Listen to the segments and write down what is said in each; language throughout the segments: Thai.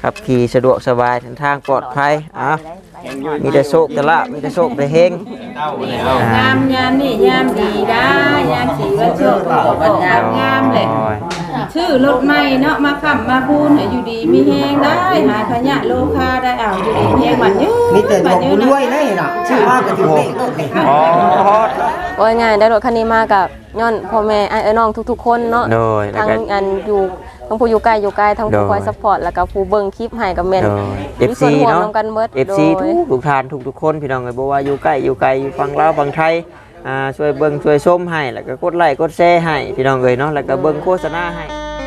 ขับขี่สะดวกสบายทางปลอดภัยมีแต่โชคแต่ละมีแต่โชคแต่เฮงงามยามนี่ยามดีได้ยามสีว่าโชควันงามเลยชื่อรถใหม่เนาะมาขับมาพูนอยู่ดีมีแฮงได้หาขยะโลคาได้เอาอยู่ดีแฮงบัดยื้อมีแต่บอกบุญด้วยเลยน่ะชื่อว่าก็ถือเลขโอ้ยง่ายได้รถคันนี้มากับย้อนพ่อแม่ไอ้น้องทุกๆคนเนาะทั้งอันอยู่ทั้งผู้อยู่ใกล้ทั้งผู้คอยซัพพอร์ตแล้วก็ผู้เบิ่งคลิปให้กับแม่น FC เนาะ FC ทุกท่านทุกคนพี่น้องเอ้ยบ่ว่าอยู่ใกล้อยู่ไกลอยู่ฝั่งลาวฝั่งไทยช่วยเบิ่งช่วยชมให้แล้วก็กดไลค์กดแชร์ให้พี่น้องเอ้ยเนาะแล้วก็เบิ่งโฆษณาให้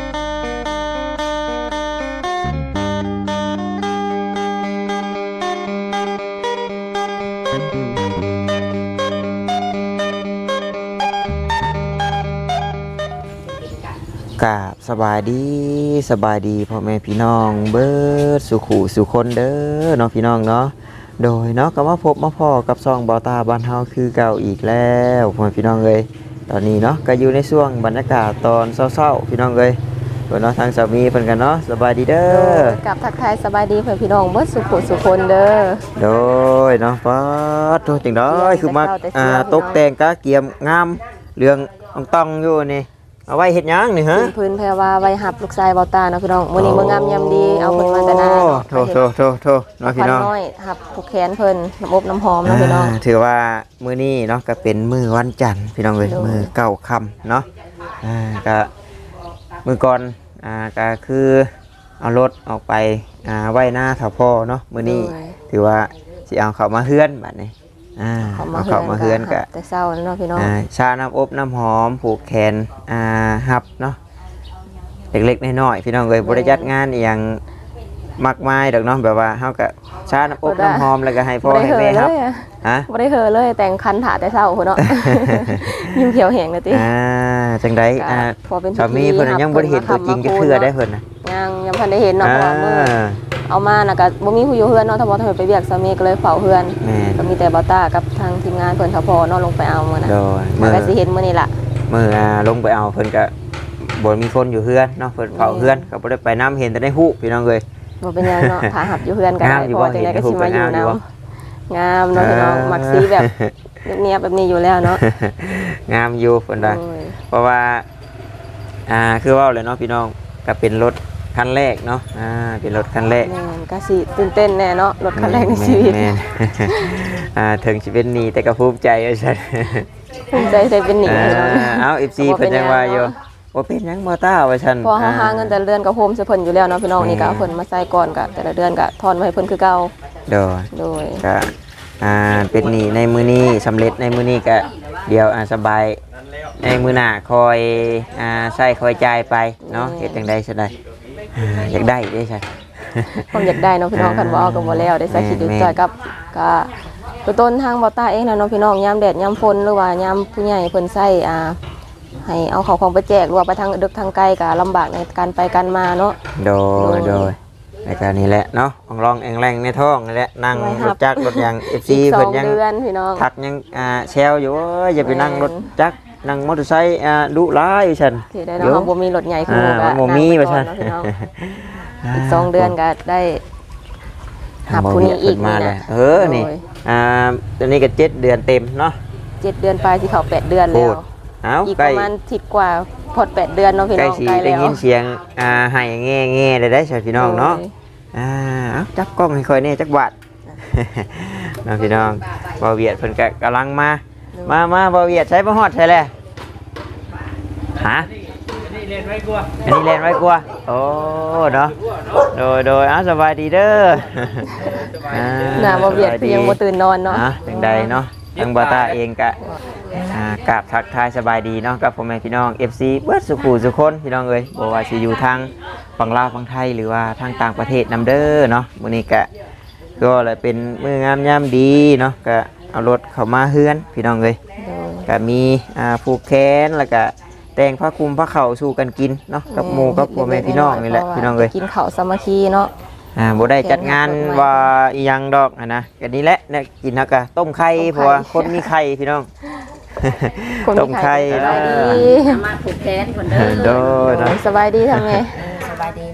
กราบสบายดีพ่อแม่พี่น้องเบิดสุขุสุคนเด้อเนาะพี่น้องเนาะโดยเนาะก็มาพบมาพ่อกับซองบ่าวตาบ้านเฮาคือเก่าอีกแล้วพ่อแม่พี่น้องเอ้ยตอนนี้เนาะก็อยู่ในช่วงบรรยากาศตอนเช้าๆพี่น้องเอ้ยเนาะทางสามีเพิ่นกันเนาะสบายดีเด้อกับทักทายสบายดีเพื่อนพี่น้องเบิดสุขุสุคนเด้อโดยเนาะป๊าดโตจังได๋คือมาตกแต่งกะเกียมงามเรื่องต้องอยู่นี่เอาไว้เฮ็ดหยังนี่ฮะพื้นแพรว่าไว้หับลูกชายบ่าวตาเนาะพี่น้องมื้อนี้มื้องามยามดีเอาเพิ่นมาแต่นาโทเนาะพี่น้องน้อยหับผูกแขนเพิ่นน้ำอบน้ำหอมเนาะพี่น้องถือว่ามื้อนี้เนาะก็เป็นมื้อวันจันทร์พี่น้องเอ้ยมื้อเก้าค่ำเนาะก็มื้อก่อนก็คือเอารถออกไปไว้หน้าเฒ่าพ่อเนาะมื้อนี้ถือว่าสิเอาเข้ามาเฮือนบัดนี้เอาเข้ามาเฮือนก็แต่เช้าเนาะพี่น้องชาน้ำอบน้ำหอมผูกแขนหับเนาะเล็กๆน้อยๆพี่น้องเอ้ยบ่ได้จัดงานอีหยังมากมายดอกเนาะแบบว่าเฮาก็ชาน้ำอบน้ำหอมแล้วก็ให้พ่อให้แม่ครับบ่ได้เฮอเลยแต่งคันถาแต่เช้าพุ่นเนาะยิ้มเขียวแห้งเลยติจังได๋สามีเพิ่นยังบ่ได้เห็นตัวจริงจักเทื่อได้เพิ่นน่ะยังพันได้เห็นเนาะเพราะว่ามื้อเอามาน่ะก็บ่มีผู้อยู่เฮือนเนาะถ้าบ่ทันไปเวียกสามีก็เลยเฝ้าเฮือนก็มีแต่บ่าวตากับทางทีมงานเพิ่นเฒ่าพ่อเนาะลงไปเอามื้อน่ะก็สิเห็นมื้อนี้ล่ะมื้อลงไปเอาเพิ่นก็บ่มีคนอยู่เฮือนเนาะเพิ่นเฝ้าเฮือนก็บ่ได้ไปนำเห็นแต่ในฮู้พี่น้องเอ้ยบ่เป็นหยังเนาะถ้าหับอยู่เฮือนก็ได้พอจังได๋ก็สิมาอยู่นำงามเนาะพี่น้องมักสีแบบเนียบแบบนี้อยู่แล้วเนาะงามอยู่เพิ่นว่าเพราะว่าคือว่าเลยเนาะพี่น้องก็เป็นรถคันแรกเนาะเป็นรถคันแรกก็สิตื่นเต้นแน่เนาะรถคันแรกในชีวิตถึงสิเป็นหนี้แต่ก็ภูมิใจว่าซั่นภูมิใจได้เป็นหนี้เอา FC เพิ่นยังว่าอยู่บ่เป็นหยังบ่ต้าว่าซั่นพอหาเงินแต่ละเดือนก็โฮมใส่เพิ่นอยู่แล้วเนาะพี่น้องนี่ก็เอาเพิ่นมาใส่ก่อนก็แต่ละเดือนก็ทอนไว้ให้เพิ่นคือเก่าโดยก็เป็นหนี้ในมื้อนี้สำเร็จในมื้อนี้ก็เดี๋ยวสบายในมื้อหน้าคอยใช้คอยจ่ายไปเนาะเฮ็ดจังได๋ซะได้อยากได้ได้ใช่ผมอยากได้เนาะพี่น้องคันว่าเอาก็บ่แล้วได้ใส่คิดอยู่จ่อยกับก็ต้นทางบ่าวตาเองนะเนาะพี่น้องยามแดดยามฝนหรือว่ายามผู้ใหญ่เพิ่นใช้ให้เอาของไปแจกหรือว่าไปทางดึกทางไกลก็ลำบากในการไปกันมาเนาะโดยในการนี้แหละเนาะของรองแองแรงในท้องนี่แหละนั่งรถจักรรถยาง FC เพิ่นยังทักยังแซวอยู่อย่าไปนั่งรถจักรนั่งมอเตอร์ไซค์ดุร้ายฉันที่ได้เนาะบ่มีรถใหญ่คือบ่มีว่าฉันอีก2 เดือนก็ได้หับผู้นี้อีกมาแล้วนี่ตอนนี้ก็7 เดือนเต็มเนาะ 7 เดือนปลายสิเข้า8 เดือนแล้วอีกประมาณ10 กว่าพอด8 เดือนเนาะพี่น้องใกล้แล้วได้ยินเสียงให้แง่ๆได้ใช่พี่น้องเนาะจับกล้องให้ค่อยแน่จักบาทน้องพี่น้องบ่าวเวียดเพิ่นก็กำลังมาบ่าวเวียดใช้บ่ฮอดใช่แล้วฮะอันนี้เล่นไว้กลัวโอ้เนาะโดยสบายดีเด้อน่ะบ่าวเวียดยังบ่ตื่นนอนเนาะจังใดเนาะทางบ่าวตาเองก็กราบทักทายสบายดีเนาะกับพ่อแม่พี่น้อง FC เบิดสุขุสุคนพี่น้องเอ้ยบ่ว่าสิอยู่ทางฝั่งลาวฝั่งไทยหรือว่าทางต่างประเทศนำเด้อเนาะมื้อนี้ก็เลยเป็นมื้องามยามดีเนาะก็เอารถเข้ามาเฮือนพี่น้องเอ้ยก็มีผูกแขนแล้วก็แต่งผ้าคลุมผ้าเข่าสู่กันกินเนาะกับหมู่กับพ่อแม่พี่น้องนี่แหละพี่น้องเอ้ยกินข้าวสามัคคีเนาะบ่ได้จัดงานว่าอีหยังดอกนะก็นี่แหละเนี่ยกินแล้วก็ต้มไข่เพราะว่าคนมีไข่พี่น้องต้มไข่มาผูกแขนคนเด้อโดยสบายดีทำไงสบายดีลูก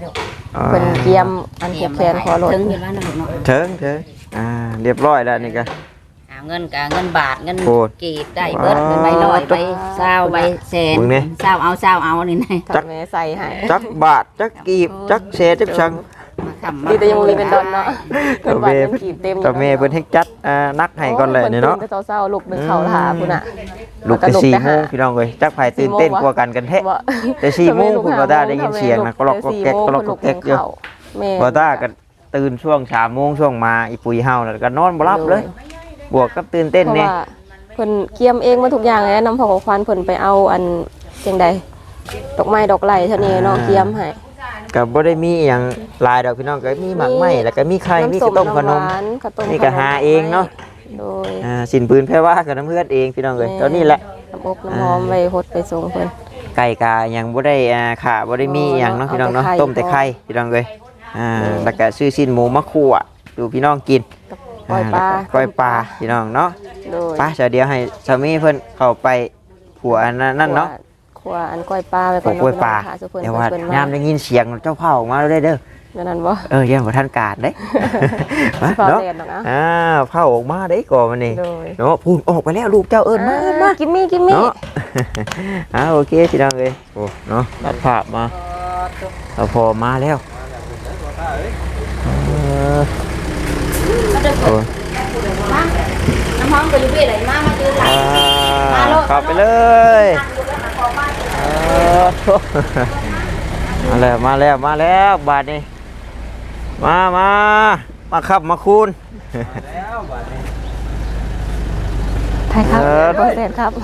เพิ่นเตรียมอันเก็บแขนขอรถถึงอยู่บ้านนะลูกเนาะเถิงเรียบร้อยแล้วนี่ก็เงินกับเงินบาทเงินโอ้กีบได้เบิดเงินใบลอยใบเศร้าใบแสนมึงนี่เศร้าเอานี่นะถ้าแม่ใส่ให้จักบาทจักกีบจักเศษจักชังมาคำดีแต่ยังบ่มีเป็นดอนเนาะเพิ่นว่าเงินกีบเต็มอยู่แต่แม่เพิ่นเฮ็ดจัดนักให้ก่อนเลยนี่เนาะพิ่ตื่แต่เช้าๆลูกนึงเข้าทาพุ่นน่ะลุกแต่4โมงพี่น้องเอ้ยจักไผตื่นเต้นกว่ากันแท้บ่แต่4โมงคุณบ่ได้ยินเสียงนะก็ล็อกก็แก๊กก็ล็อกก็แก๊กอยู่แม่บ่ได้ก็ตื่นช่วง3โมงช่วงมาอีปุ๋ยเฮาแล้วก็นอนบ่หลับเลย บวกกับตื่นเต้นเพราะนี่ว่าเพิ่นเกียมเองมาทุกอย่างเลยนะนำพ่อของควานเพิ่นไปเอาอันจังใดดอกไม้ดอกไหลเท่านี้เนาะเกียมให้ก็บ่ได้มีอหยังหลายดอกพี่น้องก็มีหมากไม้แล้วก็มีไข่มีข้าวต้มขนมข้าวต้มนี่ก็หาเองเนาะโดยสินปืนแพรว่ากับน้ำเพื่อนเองพี่น้องเอ้ยตอนนี้แหละน้ำอบน้ำหอมไว้ฮดไปส่งเพิ่นไก่กายังบ่ได้ขาบ่ได้มีอหย่างเนาะพี่น้องเนาะเอาแต่ไข่ต้มแต่ไข่พี่น้องเอ้ยแล้วก็ซื้อชิ้นหมูมาคั่วดูพี่น้องกินปล่อยปลาก้อยปลาพี่น้องเนาะโดยปลาเดี๋ยวให้สามีเพิ่นเข้าไปผัวอันนั่นเนาะครัวอันก้อยปลาไว้ก่ผัอวน ก้อยปลาค่ะสุเพิ่นแต่ว่าเพิ่นยามได้ยินเสียงเจ้าเผาออกมาแล้วเด้อนั่นนั่นบ่ยังบ่ทันการเด้เผาเนาะแดดเนาะเผาออกมาได้ก่อนมันนี่โดยเนาะพูนออกไปแล้วลูกเจ้าเอิ้นมาเอิ้นมากิมมี่เนาะ โอเคพี่น้องเอ้ยโอ้เนาะตัดภาพมาเราพอมาแล้วโอ้น้ำหอมไปอยู่ที่ไหนมาซื้อหลายเข้าไปเลยมาแล้วบาทนี้มาขับมาคูณไทยครับบ่แซ่บครับ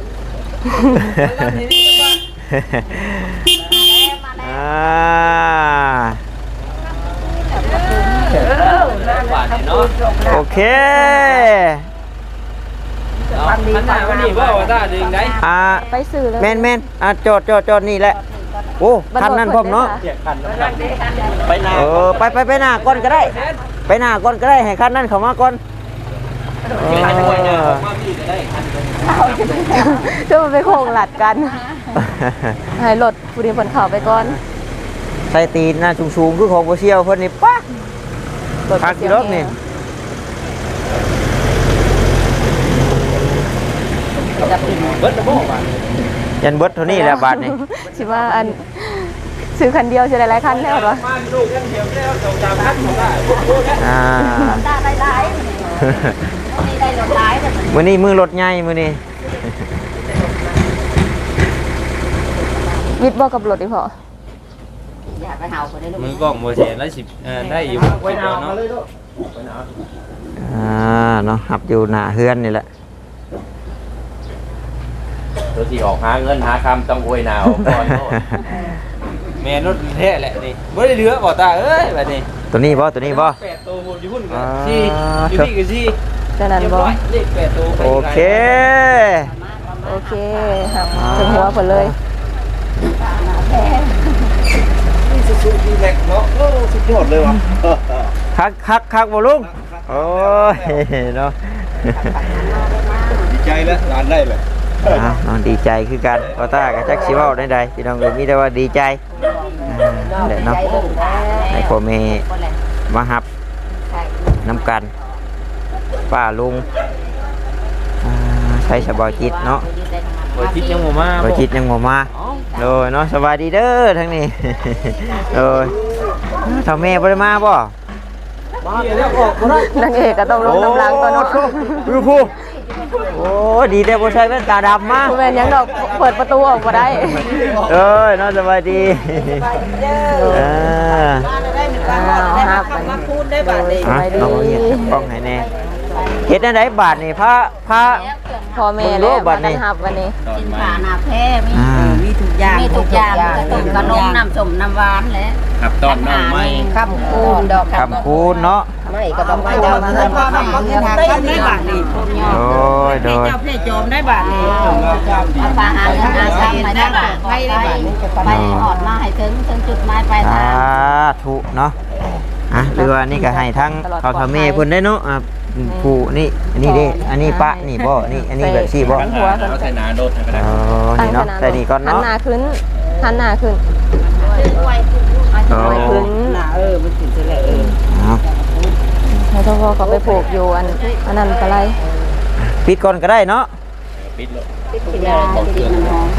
โอเควันนี้ว่าว่าได้ดึงได้ไปซื้อเลยแม่นจอดนี่แหละโอ้คันนั้นพร้อมเนาะไปนาไปหน้าก่อนก็ได้ ไปหน้าก่อนก็ได้ให้คันนั้นเข้ามาก่อนจะมันไปโค้งหลัดกัน ให้รถผู้ดีเพิ่นเข้าไปก่อนใส่ตีนหน้าสูงๆคือของโบเชียวเพิ่นนี่ป๊ะพักกี่รอบนี่เบิดระบบอ่ะยันเบิดเท่านี้แหละบาทนี่สิว่าอันซื้อคันเดียวสิได้หลายคันแล้วเหรอมาลูกกันเดียวแล้วสองสามพันของได้ได้หลายนี่ได้หลายแต่มื้อนี้มือรถใหญ่มื้อนี้วิทย์บ่กับรถอีพออยากไปเห่าคนได้ลูกมือกล้องโมเสนแล้วสิได้อยู่ไว้เอาเนาะเนาะหับอยู่หน้าเฮือนนี่แหละตัวที่ออกหาเงินหาคำต้องอวยหนาวก่อนแม่รถแท้แหละนี่ไม่ได้เหลือบ่ตาเอ้ยแบบนี้ตัวนี้บ่8 ตัวหมดอยู่หุ่นกันที่อยู่นี่ก็ที่จังนั้นบ่เลข8ตัวโอเคโอเคครับถึงหัวเพิ่นเลยสุดที่แรกเนาะสุดยอดเลยว่ะคักบ่ลุงโอ้ยเนาะดีใจแล้วร้านได้เลยดีใจคือกันพอตากับจักสิเว้าได้ๆพี่น้องเอ้ยมีแต่ว่าดีใจเด้เนาะให้พ่อแม่มารับน้ำกันป้าลุงใช้สบายจิตเนาะบ่คิดยังบ่มาบายจิตยังบ่มาโดยเนาะสบายดีเด้อทั้งนี้ โดยถ้าแม่บ่ได้มาบ่นางเอกก็ต้องลงกำลังตัวเนาะดูผู้โอ้ดีแต่บ่ใส่แว่นตาดำมาบ่แม่นหยังดอกเปิดประตูออกบ่ได้เอ้ยเนาะสบายดีอ่าครับมาคูณได้บาทเลยสบายดีเอาเฮ็ดกล้องให้แน่เฮ็ดอันใดบาทนี่พระพ่อแม่แล้วมากันรับวันนี้กินผ่านาแพ้มีมีทุกอย่างมีทุกอย่างต้มขนมน้ำส้มน้ำหวานแหละครับตอนน้องไม่คำคูณดอกคำคูณเนาะไม่ก็ต้องไปเจ้าเจ้าเงินพ่อทำเงินทางได้บาทนี่โอ้ยโดยเจ้าเพชรโจมได้บาทนี่ปลาหาเงินหาซ้ำไปได้บาทไปหอดมาให้ถึงจุดหมายปลายสาทางธุเนาะหรือว่านี่ก็ให้ทั้งเขาทำเมเพิ่นได้เนาะผู้นี่อันนี้เด้อันนี้ปะนี่บ่นี่อันนี้แบบซี่บ่หัวกันเอาใส่หนาโดดก็ได้อ๋อนี่เนาะแต่นี่ก่อนหันเนาะหน้าขึ้นหันหน้าขึ้นด้วยไม่ขึ้นมันถึงจะแหละเอาให้ทพ่อเขาไปผูกอยู่อันนั้นก็ไรปิดก่อนก็ได้เนาะปิดเลยกินยากินน้ำใคร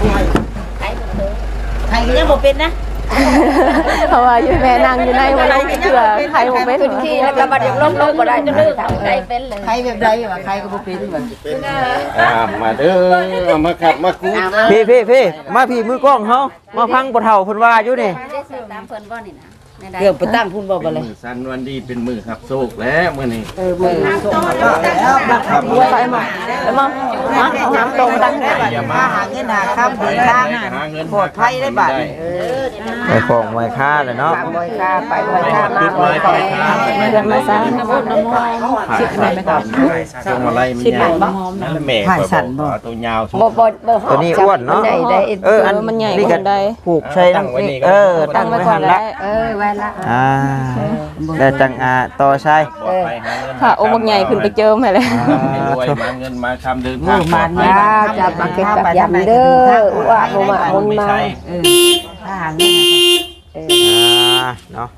ยังบ่เป็นนะเพราะว่าอยู่แม่นั่งอยู่ในวันนี้เถื่อใครบ่เป็นขึ้นขี้แล้วก็มาเดี๋ยวล้มบ่ได้จะดื้อใครเป็นเลยใครแบบใดวะใครก็บ่เป็นแบบมาเด้อมาขับมาคูพี่มาพี่มือกล้องเฮามาพังปะเฒ่าเพิ่นว่าอยู่นี่ได้ซื้อตามเพิ่นบ่นี่นะเกือบไปตั้งพุ่นบ่บ่เลยมือสันวันดีเป็นมือขับโชคแล้วมื้อนี้มือส่งก็แล้วบักขับไปมาเอาน้ำตรงตั้งให้อย่ามาหาเงินหาคำเดินทางปลอดภัยได้บัดไปของไว้ค่าเลยเนาะบ่อยค่าไปบ่อยค่ามาบ่อยค่าเรื่องมาซะชิดไหมครับช่วงอะไรมันยาวนั่นแม่ตัวยาวตัวนี้อ้วนเนาะอันมันใหญ่นี่กก็ว่าใดผูกใช้น้ำตั้งไว้หันละไว้ละแต่จังต่อใช้ค่ะองค์บักใหญ่ขึ้นไปเจิมให้เลยรวยมาเงินมาคำเดินทางมันยาจับบักจับยำเด้อว่าบ่มาบ่มาถ้าหาเงินเนาะ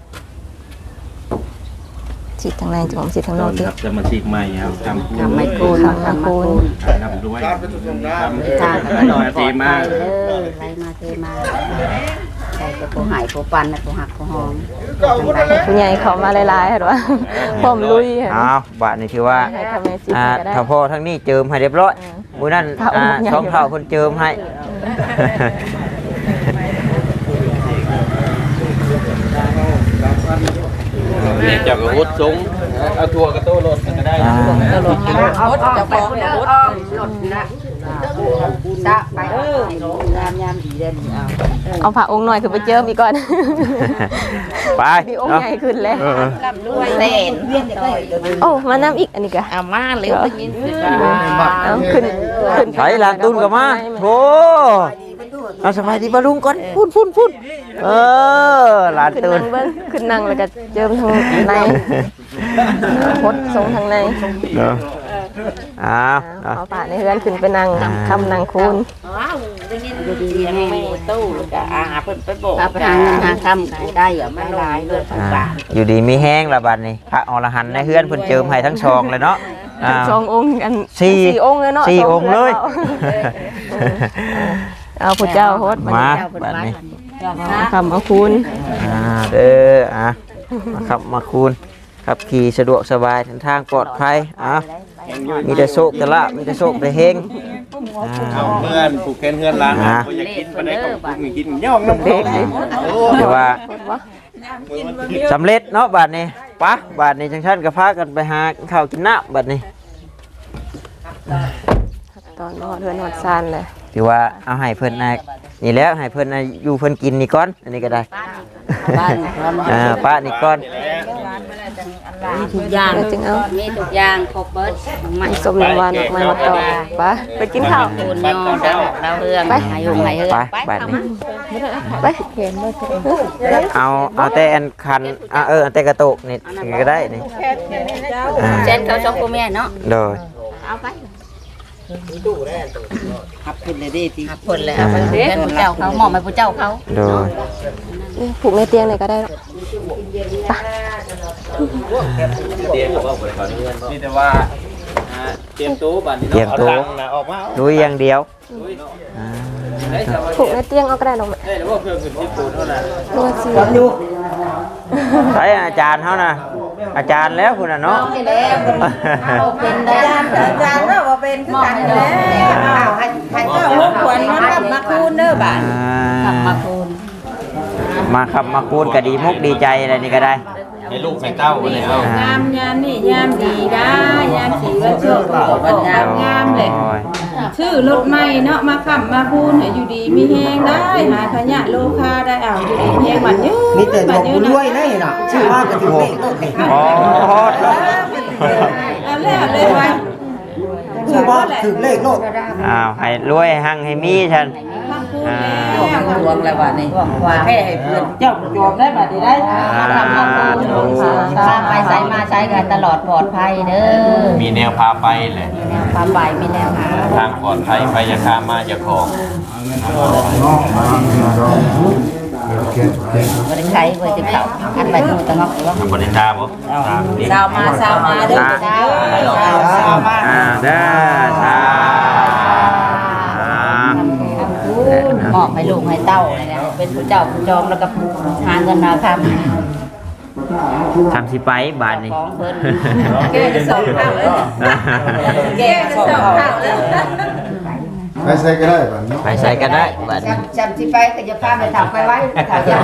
ฉีดทางในจุ่มฉีดทางนอกดิจะมาฉีกใหม่ครับทำทำไม่กูนทางคูณทำด้วยทำทางทีมาไรมาเทมาใส่กับผู้หายผู้ปันผู้หักผู้หอมผู้ใหญ่เขามาหลายๆเห็นว่าพร้อมลุยเห็นเอาบาทนี่ถือว่าให้ทำในสิบก็ได้ถ้าพ่อทั้งนี้เจิมให้เรียบร้อยมื้อนั้นช่องเท่าคนเจิมให้เนี่ยจับกับวุฒิสูงเอาทัวร์กับโต้รถก็ได้เอาจะไปคนเดียวอ้อมหลดนะซะไปยามดีเด่นเอาเอาผ้าองค์หน่อยคือไปเจิมอีกก่อนไปมีองค์ใหญ่ขึ้นเลยลำด้วยเต้นเวียนเลยโอ้มาน้ำอีกอันนี้ก็เอามาเร็วไปยินเอาขึ้นไปหลานตุนกับมาโธ่เอาสบายดีบาลุงก่อนพุ่นหลานขึ้นตุนั่นงเบิ้งขึ้นนั่งแล้วก็เจิมทางในพดทรงทางในเนาะเอาเอาผ้าในเฮือนขึ้นไปนั่งคำนั่งคูณดูดีไม่ตู้ก็เพิ่นไปบอกไปหาเงินหาคำได้อย่าไม่ลายเลยอยู่ดีมีแห้งละบัดนี้พระอรหันต์ในเฮือนเพิ่นเจิมให้ทั้งชองเลยเนาะสององค์กันสี่องค์เลยเนาะสี่องค์เลยเอาพระเจ้าโฮดมาบัดนี้คำเอาคูณเด้อมาครับมาคูณขับขี่สะดวกสบายทางปลอดภัยมีแต่โชคแต่ละมีแต่โชคแต่เฮงเอาเพื่อนผูกแขนเพื่อนร้านอยากกินไปได้ก็ผูกกินย่องน้ำเด็กเดี๋ยวว่าสำเร็จเนาะบัดนี้ปะบัดนี้จังชั้นกับพากันไปหาข้าวกินน้ำบัดนี้ตอนนอดเฮือนนอดซานเลยถือว่าเอาให้เพิ่นนี่แล้วให้เพิ่นอยู่เพิ่นกินนี่ก่อนอันนี้ก็ได้ป้านี่ก่อนมีทุกอย่างแล้วจึงเอามีทุกอย่างครบเบิดไม่สมน้ำหวานออกมามาต่อไปไปกินข้าวปูนยอดาวเฮืองหายหุ่งหายเฮืองไปบัดนี้ไปเห็นไหมเอาแต่อันคันอันแต่กระโตกนี่ก็ได้นี่เช่นเขาชอบกูแม่เนาะโดยเอาไปขับขึ้นเลยดิทีหักผลเลยเอาไปเพื่อนผู้เจ้าเขาหมอมไปผู้เจ้าเขาโดยผูกในเตียงไหนก็ได้เตรียมว่าบริการเพื่อนนี่แต่ว่าเตรียมตู้บัตรนี่ออกมาดูอย่างเดียวผูกในเตียงเอาก็ได้หรอกได้หรือว่าเพื่อนขึ้นที่ปูนเท่านั้นนวดสิใช่อาจารย์เขานะอาจารย์แล้วคุณน่ะเนาะเป็นได้อาจารย์ว่าเป็นคือกันแล้วให้เจ้าลูกควรมาขับมาคูณเด้อบาดมาคูณมาขับมาคูณก็ดีมุกดีใจอะไรนี่ก็ได้ให้ลูกให้เต้าเลยเอางามยามนี่ยามดีได้ยามสีวันโชควันงามเลยชื่อรถใหม่เนาะมาขับมาคูณให้อยู่ดีมีแฮงได้หาขยะโลคาได้เอาอยู่ดีมีแฮงบัดยืนมีแต่บอกบุญด้วยนะน่ะชื่อว่าก็ถือเลขอ๋อเอาแล้วเลยไว้ชื่อว่าถือเลขโลดอ้าวให้รวยหั่งให้มีฉันมาคูณแล้วดวงแล้วบัดนี้ว่าแค่ให้เพื่อนเจ้าโยมได้บัดนี้ได้ข้าไปใช้มาใช้กันตลอดปลอดภัยเด้อมีแนวพาไปแหละมีแนวความใบมีแนวหาทางปลอดภัยไปยาคามาจะของบ่ได้ใช้บ่ได้เข้าอันไปนู่นตะงอกว่าบริษัทบ่สาวมาเด้อสาวมาเด้อสาหมอบให้ลูกให้เต้านี่แหละเป็นผู้เจ้าผู้จอมแล้วก็หาเงินมาค้ำทำสิไปบาทนี่ของเพิ่นแกจะสองข้าวเลยแกจะสองข้าวเลยไปใส่ก็ได้ป่ะเนาะไปใส่ก็ได้บาทนี้จำสิไปก็จะพาไปถามไปไว้ถามยา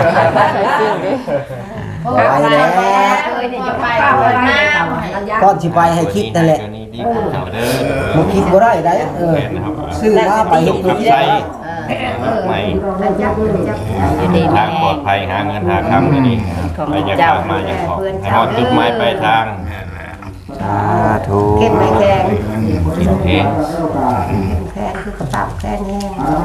ไปแล้วเอ้ยเดี๋ยวจะไปเอาไว้มาก่อนสิไปให้คิดนั่นแหละนี่ดีคุณเจ้าเด้อบ่คิดบ่ได้ได้ซื้อมาไปเฮ็ดบ่คิดได้ไม่อยู่ดีทางปลอดภัยหาเงินหาคำนี่นี่ไปยังทางมายังขอให้ฮอดจุดหมายปลายทางสาธุเก็บไว้แกงโอเคแค่คือกระเป๋าแค่นี้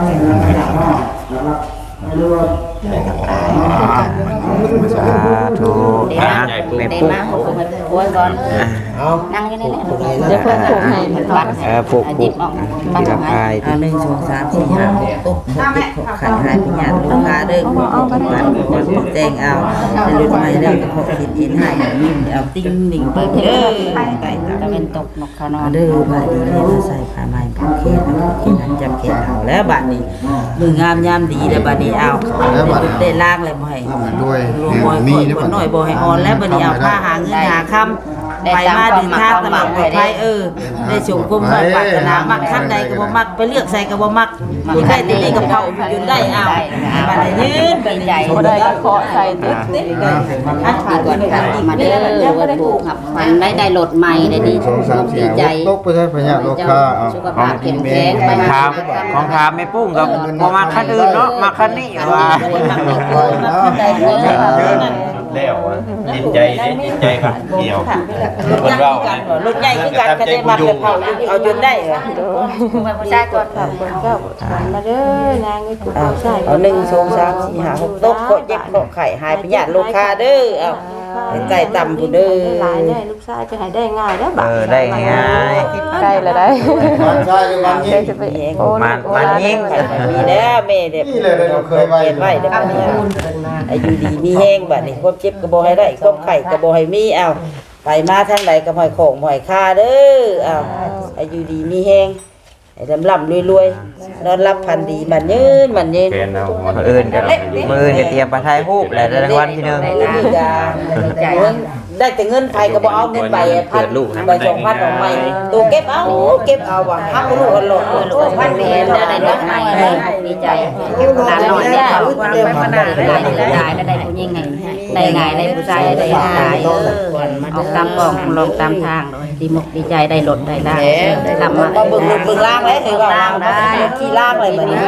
สาธุนะเด็แม่กปุ๊กมาหกคนโวยก่อนนั่งอยู่นี่แหละเดี๋ยวเพิ่นผูกให้บัตรปลูกหยิบออกบัตรที่ละให้พาย 1 2 3 4 5 6ตุ๊กขันหายพิญญาณลูกค้าเด้อแจ้งเอาในรุ่นใหม่แล้วก็ขอคิดอินให้ยิ้มเอาติ้งหนิงเปิดเด้อไปตะเวนตกนกเขานอนเด้อบาดนี้มาใส่ผ้าไหมผูกเขนผูกเขนนั้นจำเขนเอาแล้วบาดนี้มืองามยามดีแล้วบาดนี้เอาได้ล่างแล้วบ่ให้ด้วยรวมบ่มีได้หน่อยบ่ให้อ่อนแล้วบาดนี้เอาผ้าหาเงินหาคำไปมาเดินทางตลอดปลอดภัยได้ส่งความมุ่งปรารถนามักคันใดก็บ่มักไปเลือกใส่ก็บ่มักอยู่ได้แต่นี่กับเขาอยู่ได้เอาบาดนี้ยืนดีใจบ่ได้ก็เคาะใส่ตึ๊ดอันผ่านก่อนค่ะมาเด้อวันปลูกครับมันได้รถใหม่ได้ดี 2 3 ดี 4 ใจตกไปใช้พญาโลคาเอาสุขภาพเข้มแข็งไปถามของถามแม่ปุ้งกับบ่มาคันอื่นเนาะมาคันนี้ว่าแล้วจิตใจจิตใจครับเกี่ยวคนเรารถใหญ่คือกันก็ได้มาเผาเอาจนได้เหรอผู้ชายก่อนค่ะเพิ่นก็มาเด้อนางนี่ผู้ชายเอา1 2 3 4 5 6ตกก็เจ็บก็ไข่หายไปญาติลูกค้าเด้อเอาใจต่ำผู้เด้อหลายได้ลูกชายจะให้ได้ง่ายเด้อบัดได้ง่ายใกล้แล้วได้มันใช่หรือมันยิงจะไปโอ้มันยิงมีแน่แม่เด็กนี่เลยเราเคยไว้เก็บไว้เด้ออายุดีมีแห้งบัดนี้ความเจ็บก็บ่ให้ได้ความไข้ก็บ่ให้มีเอาไปมาทางใดก็บ่ให้ของบ่ให้ค่าเด้อเอาอายุดีมีแห้งให้ร่ำรวยๆนอนรับพันดีมันยืนมันยืนแกนเอามื้ออื่นก็มื้ออื่นก็เตรียมไปถ่ายรูปแล้วได้รางวัลที่หนึงได้แต่เงินไผก็บ่เอาเงินใบ1,000ใบ2,000ออกใหม่ตัวเก็บเอาว่ะฮักลูกกันโลดลูกพันเดียวได้รถใหม่ดีใจหลานน้อยได้ไปมานานได้ได้ผู้หญิงไงได้ง่ายได้ผู้ชายได้ง่ายออกตามกองลงตามทางดีมกดีใจได้รถได้ได้ทำมาก็เบิ่งล่างเลยคือว่าล่างได้ที่ล่างเลยบัดนี้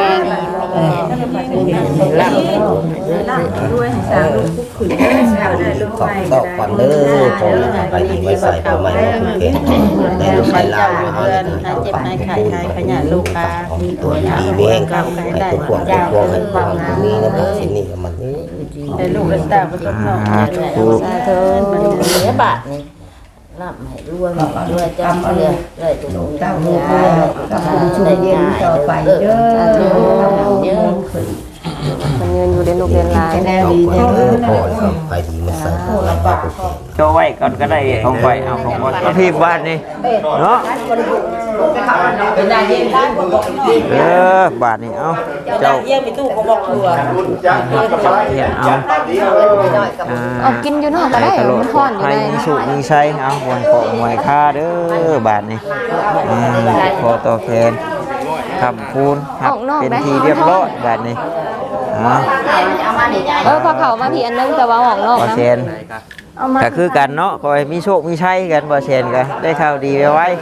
ล่างด้วยให้สาวลูกขุนได้ลูกใหม่ตอกก่อนเด้อพอไปยิงไว้ใส่ผ้าไหมผูกเขนได้ลูกชายลาวมาเฮาได้เจ็บในไข่ไข่พญาลูกค้าตัวดีเบ้งครับให้ทุกคนให้พวกให้ความมีนะเด้อสิ่งนี้ก็มันได้ลูกได้ตาบ่ต้องเนาะสาธุมันเสียบาทนี่รับให้รวยจำเอาเลยตัวเจ้าลูกกับคุณช่วยเย็นต่อไปเด้อเยอะมันเงินอยู่ในลูกเรียนหลายพ่อไปดีมาใส่ผ้าไหมผูกเขนโจไว้ก่อนก็ได้ของข่อยเอาของบ่เอาพี่บ้านนี่เนาะเป็นนายเย็นได้บ่บอกดีบาทนี่เอาเจ้าเจ้าเยี่ยมไปตู้เขาบอกตัวเห็นเอาเอากินอยู่นอกก็ได้ตลอมัดนฮ้อนอยู่ให้ในมีสุขมีชัยเอาบนของหวยค่าเด้อบาทนี่ขอตัวแทนคำคูณครับเป็นทีเรียบร้อยบาทนี่พอเขามาพี่อันนึงแต่ว่าออกนอกบ่นะเชนก็คือกันเนาะขอให้มีโชคมีชัยกันบ่เชนก็ได้ข่าวดีไว้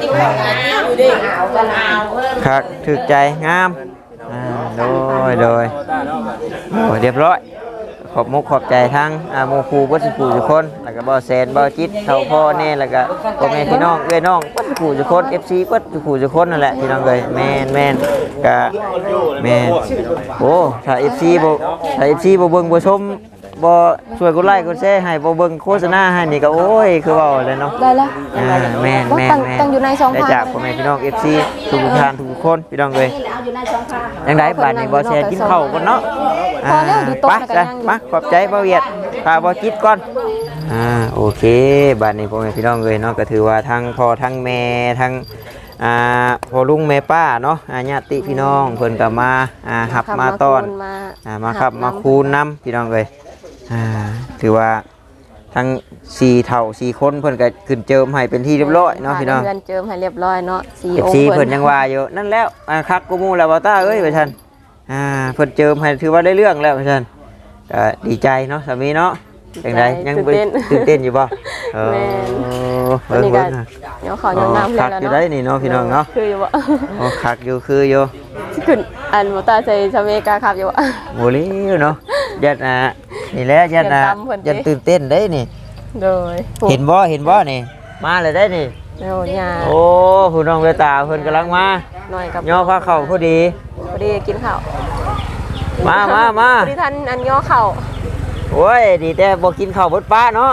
ครับถึกใจงามโดยโอ้เรียบร้อยขอบมุกขอบใจทั้งหมู่ครูวัดสุขุทุกคนแล้วก็บ่แซนบ่จิตเท่าพ่อแน่แล้วก็พ่อแม่พี่น้องเอ้ยน้องวัดสุขุทุกคน FC วัดสุขุทุกคนนั่นแหละพี่น้องเอ้ยแม่นก็แม่นโอ้ถ้า FC บ่เบิ่งบ่ชมบ่ช่วยกดไลค์กดแชร์ให้บ่เบิ่งโฆษณาให้นี่ก็โอ้ยคือเว้าเลยเนาะได้แล้วแม่นว่าแม่นตั้งแม่นตั้งอยู่ในช่องได้ทางจากพ่อแม่พี่น้อง FC ทุกท่านทุกคนพี่น้องเอ้ยยังไดบัดนี้บ่แชร์กินข้าวก่อนเนาะพอแล้วดูโต๊ะไปแล้วก็จ้ะนั่งอยู่มาขอบใจบ่เวียดพาบ่จิตก่อนโอเคบัดนี้พ่อแม่พี่น้องเอ้ยเนาะก็ถือว่าทั้งพ่อทั้งแม่ทั้งพ่อลุงแม่ป้าเนาะญาติพี่น้องเพิ่นก็มาหับมาต้อนมาขับมาคูณนำพี่น้องเอ้ยถือว่าทั้ง4เฒ่า4คนเพิ่นก็ขึ้นเจิมให้เป็นที่เรียบร้อยเนาะพี่น้องเงินเจิมให้เรียบร้อยเนาะ4 องค์ FC เพิ่นยังว่าอยู่นั่นแล้วคักกูมูแล้วบ่ตาเอ้ยว่าซั่นเพิ่นเจิมให้ถือว่าได้เรื่องแล้วว่าซั่นก็ดีใจเนาะสามีเนาะจังไดยังตื่นเต้นอยู่บ่เบิ่งๆเดี๋ยวขอยน้ำคักอยู่ได้นี่เนาะพี่น้องเนาะคืออยู่บ่โอ้คักอยู่คืออยู่ขึ้นอันบ่ตาใส่ชาเมกาครับอยู่บ่โมเลวเนาะยัดนี่แหละยัดยัดตื่นเต้นได้นี่โดยเห็นบ่นี่มาเลยได้นี่โอ้ยาโอ้ผู้น้องเวตาเพิ่นกำลังมาหน่อยกับย่อผ้าเข่าพอดีพอดีกินข้าวมาพอดีท่านอันย่อข้าวโอ้ยดีแต่บ่กินข้าวบดป้าเนาะ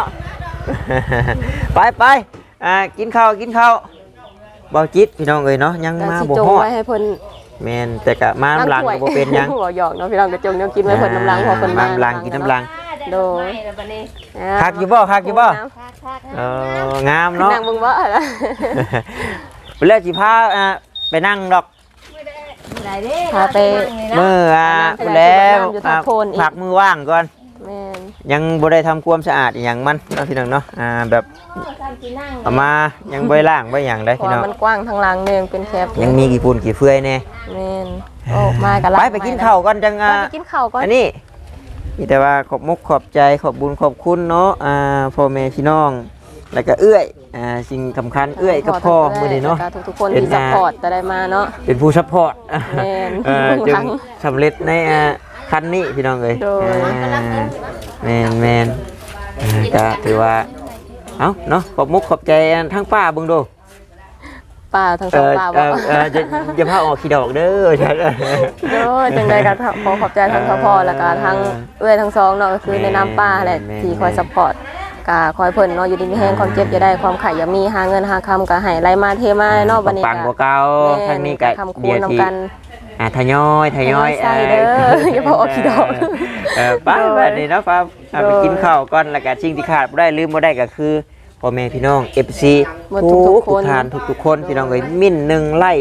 ไปกินข้าวบ่จิตพี่น้องเอ้ยเนาะยังมาบ่จงฮอดไว้ให้เพิ่นแม่นแต่ก็มาน้ำลังก็บ่เป็นหยังบ่หยอกเนาะพี่น้องก็จงแนวกินไว้เพิ่นน้ำลังพอเพิ่นมาน้ำลังกินน้ำลังโดยคักอยู่บ่งามเนาะนั่งมึงบ่ล่ะไปแล้วสิพาไปนั่งดอกพาไปมือแล้วผักมือว่างก่อนแม่นยังบ่ได้ทำความสะอาดอหย่างมันเนาะพี่น้องเนาะแบบเอามายังบ่ได้ล้างบ่อย่างได้พี่น้องมันกว้างทางหลังนึงเป็นแคบยังมีกี่ปูนกี่เฟื่อยแน่แม่นโอ้มากันละไปกินข้าวก่อนจังไปกินข้าวก่อนอันนี้มีแต่ว่าขอบมุกขอบใจขอบบุญขอบคุณเนาะพ่อแม่พี่น้องแล้วก็เอื้อยสิ่งสำคัญเอื้อยกับพ่อมื้อนี้เนาะทุกๆคนที่ซัพพอร์ตจะได้มาเนาะเป็นผู้ซัพพอร์ตแม่นจึงสำเร็จในคันนี้พี่น้องเอ้ยโดยแม่นก็ถือว่าเอ้าเนาะขอบมุกขอบใจทั้งป้าเบิ่งดูป้าทั้งสองป้าบ่จะพาออกขี้ดอกเด้อใช่โดยจังใดก็ขอขอบใจทั้งซัพพอร์ตแล้วก็ทั้งเอื้อยทั้งสองเนาะก็คือในนามป้าแหละที่คอยซัพพอร์ตก็คอยเพิ่นเนาะอยู่ดีมีแฮงความเจ็บจะได้ความไข่อย่ามีหาเงินหาคำก็ให้ไหลมาเทมาเนาะบัดนี้ปังกว่าเก่าทางนี้ก็คำคูณนำกันทยอยใส่เด้ออย่าพอออกขี้ดอกป้าบัดนี้เนาะป้าไปกินข้าวก่อนแล้วก็สิ่งที่ขาดบ่ได้ลืมบ่ได้ก็คือพ่อแม่พี่น้อง FC ทุกท่านทุกคนพี่น้องเอ้ยมิ้น1ไล่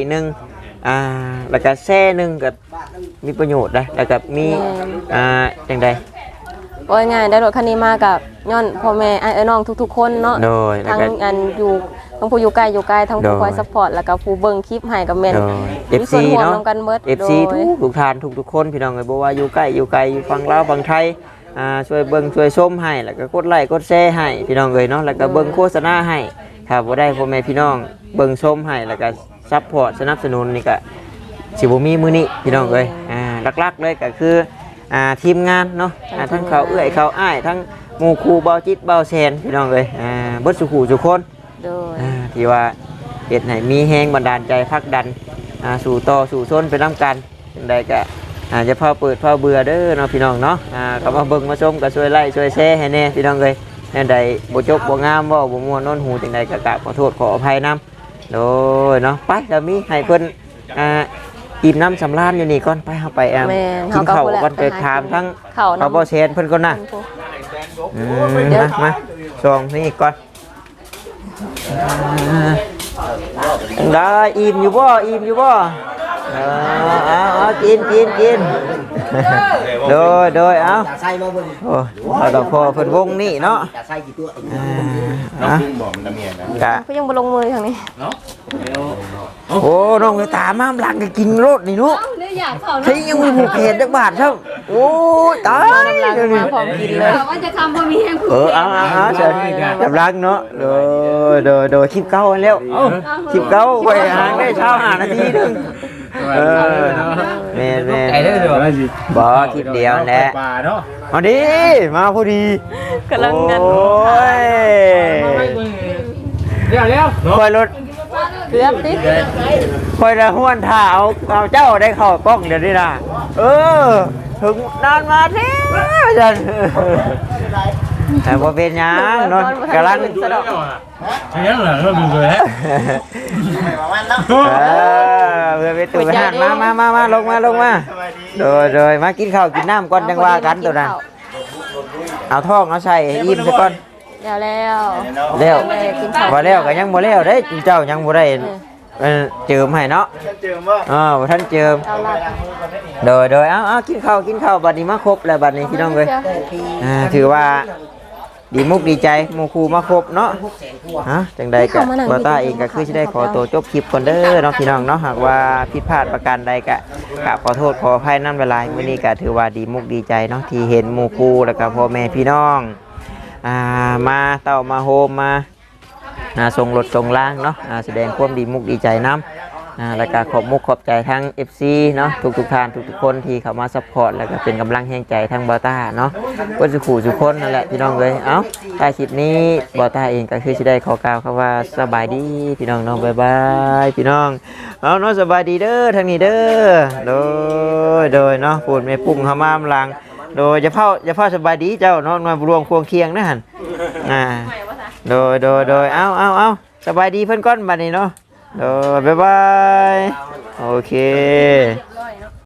1แล้วก็แซ่1ก็มีประโยชน์นะแล้วก็มีจังได๋โอ้ยง่ายได้รถคันนี้มากับย้อนพ่อแม่ไอ้น้องทุกๆคนเนาะโดยทั้งอันอยู่ทั้งผู้อยู่ไกลทั้งผู้คอยซัพพอร์ตแล้วก็ผู้เบิ่งคลิปให้กับแม่นมีส่วนร่วมนำกันเบิด FC ทุกท่านทุกคนพี่น้องเอ้ยบ่ว่าอยู่ใกล้อยู่ไกลอยู่ฝั่งลาวฝั่งไทยช่วยเบิ่งช่วยชมให้แล้วก็กดไลค์กดแชร์ให้พี่น้องเอ้ยเนาะแล้วก็เบิ่งโฆษณาให้ถ้าบ่ได้พ่อแม่พี่น้องเบิ่งชมให้แล้วก็ซัพพอร์ตสนับสนุนนี่ก็สิบ่มีมื้อนี้พี่น้องเอ้ยหลักๆเลยก็คือทีมงานเนาะทั้งเขาเอื้อยเขาอ้ายทั้งหมู่ครูเบาจิตเบาแซนพี่น้องเอ้ยเบิดสุขุทุกคนโดยที่ว่าเฮ็ดให้มีแรงบันดาลใจผลักดันสู่ต่อสู่ชนไปนำกันจังไดก็จะพาเปิดพาเบื่อเด้อเนาะพี่น้องเนาะเข้ามาเบิ่งมาชมก็ช่วยไลค์ช่วยแชร์ให้แน่พี่น้องเอ้ยแน่ใดบ่จบบ่งามบ่ม่วนโน้นหูจังไดก็กราบขอโทษขออภัยนำโดยเนาะไปแล้วมีให้เพิ่นอิ่มน้ำสำราญอยู่นี่ก่อนไปเฮาไปกินข้าวก่อนไปถามทั้งเขาบ่แซนเพิ่นก่อนนะมาส่งนี่ก่อนได้อิ่มอยู่บ่กินโดยเอาโอ้เอาดอกพอเพิ่นวงนี่เนาะกะก็ยังบ่ลงมือทางนี้โอ้น้องตามามหลังก็กินรถนี่เนาะใช่ยังมีผูกแขนจักบาทครับโอ้ตายเดี๋ยวนี้พร้อมกินเลยว่าจะทำบ่มีแฮงเอาเชิญจับรักเนาะโดยคลิปเก่าแล้วคลิปเก่าไปหางได้เช้า5 นาทีนึงแม่บ่คลิปเดียวแหละมาดิมาพอดีกำลังงันโอ้ยเร็วคอยรถเกือบดิคอยละห้วนท่าเอาเจ้าได้เข้ากล้องเดี๋ยวนี้นะถึงนานมาแท้จันแต่พอเป็นหยังนอนกำลังยังเหรอเราดูเลยฮะเพื่อไปตู่ไปหันมาลงมาโดยมากินข้าวกินน้ำก่อนจังว่ากันตัวนั้นเอาท้องเอาใส่อิ่มซะก่อนแล้วแล้วบ่แล้วก็ยังบ่แล้วเด้เจ้ายังบ่ได้เจิมให้เนาะเจิมบ่บ่ทันเจิมโดยเอากินข้าวบัดนี้มาครบแล้วบัดนี้พี่น้องเอ้ยถือว่าดีมุกดีใจหมู่ครูมาครบเนาะจังใดก็บ่ต้าเองก็คือสิได้ขอตัวจบคลิปก่อนเด้อเนาะพี่น้องเนาะหากว่าผิดพลาดประการใดก็ขอโทษขออภัยนำหลายๆมื้อนี้ก็ถือว่าดีมุกดีใจเนาะที่เห็นหมู่ครูแล้วก็พ่อแม่พี่น้องมาเต้ามาโฮมมาส่งรถส่งล่างเนาะแสดงความดีมุกดีใจน้ำแล้วก็ขอบมุกขอบใจทั้ง FC เนาะทุกท่านทุกคนที่เข้ามาซัพพอร์ตแล้วก็เป็นกำลังแห่งใจทั้งบอต้าเนาะก็สุขุสุขคนนั่นแหละพี่น้องเลยใต้คลิปนี้บอต้าเองก็คือจะได้ขอกล่าวคำว่าสบายดีพี่น้องเนาะบ๊ายบายพี่น้องเนาะสบายดีเด้อทางนี้เด้อโดยเนาะพูดไม่ปุ่งขมามลังโดยจะเฝ้าสบายดีเจ้าเนาะมารวมควงเคียงนะฮันโดยเอาสบายดีเพื่อนก้อนบัดนี้เนาะบ๊ายบายโอเค